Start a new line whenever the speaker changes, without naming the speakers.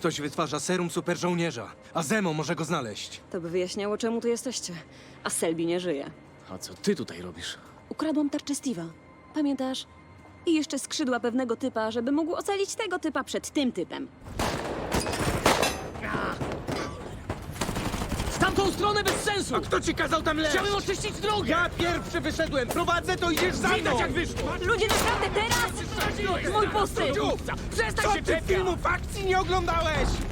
Ktoś wytwarza serum superżołnierza, a Zemo może go znaleźć.
To by wyjaśniało, czemu tu jesteście. A Selby nie żyje.
A co ty tutaj robisz?
Ukradłam tarczę Steve'a. Pamiętasz? I jeszcze skrzydła pewnego typa, żeby mógł ocalić tego typa przed tym typem.
W tamtą stronę bez sensu!
Kto ci kazał tam leść?
Chciałem oczyścić drogę!
Ja pierwszy wyszedłem! Prowadzę, to idziesz za mną!
Widać jak wyszło!
Ludzie, naprawdę teraz! Mój posył!
Co
Przestań się
ty
czepia!
filmów akcji nie oglądałeś?